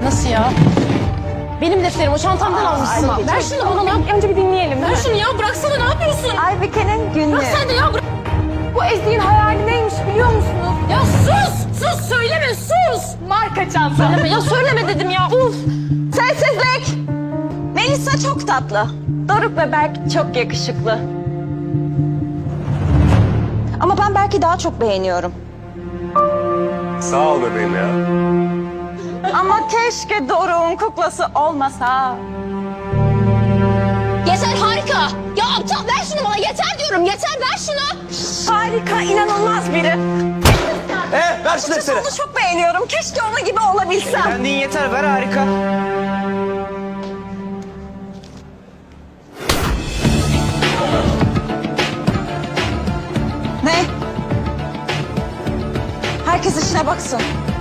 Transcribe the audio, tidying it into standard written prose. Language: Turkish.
Nasıl ya? Benim defterim, o çantamdan almışsın. Ver şunu bana lan. Önce bir dinleyelim. Ver şunu ya, bıraksana, ne yapıyorsun? Aybike'nin günlüğü. Bırak sen de ya, bırak. Bu Ezgi'nin hayali neymiş biliyor musunuz? Ya sus, söyleme, sus. Marka çanta. Söyleme ya, söyleme dedim ya, uf. Sessizlik. Melisa çok tatlı. Doruk ve Berk çok yakışıklı. Ama ben Berk'i daha çok beğeniyorum. Sağ ol bebeğim ya. Ama keşke Doruk'un kuklası olmasa. Yeter, harika. Ya aptal, ver şunu bana, yeter diyorum, yeter, ver şunu. Harika, inanılmaz biri. Ver şu defteri. Onu çok beğeniyorum. Keşke onun gibi olabilsem. Kendin yeter, ver harika. Ne? Herkes işine baksın.